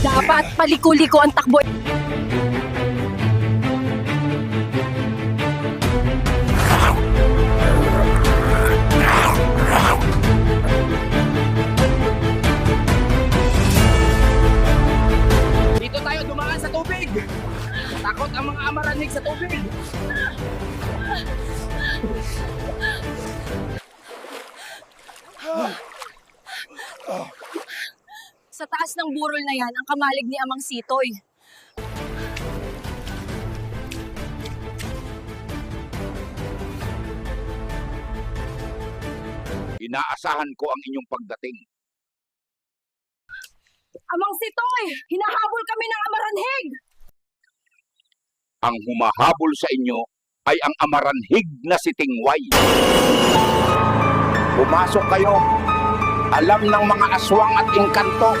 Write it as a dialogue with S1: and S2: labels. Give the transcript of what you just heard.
S1: Dapat paliko-liko ang takbo.
S2: Dito tayo dumaan sa tubig! Takot ang mga amaranig sa tubig!
S1: Sa taas ng burol na yan, ang kamalig ni Amang Sitoy.
S3: Inaasahan ko ang inyong pagdating.
S1: Amang Sitoy! Hinahabol kami ng Amaranhig!
S3: Ang humahabol sa inyo ay ang amaranhig na si Tingway. Pumasok kayo. Alam ng mga aswang at engkanto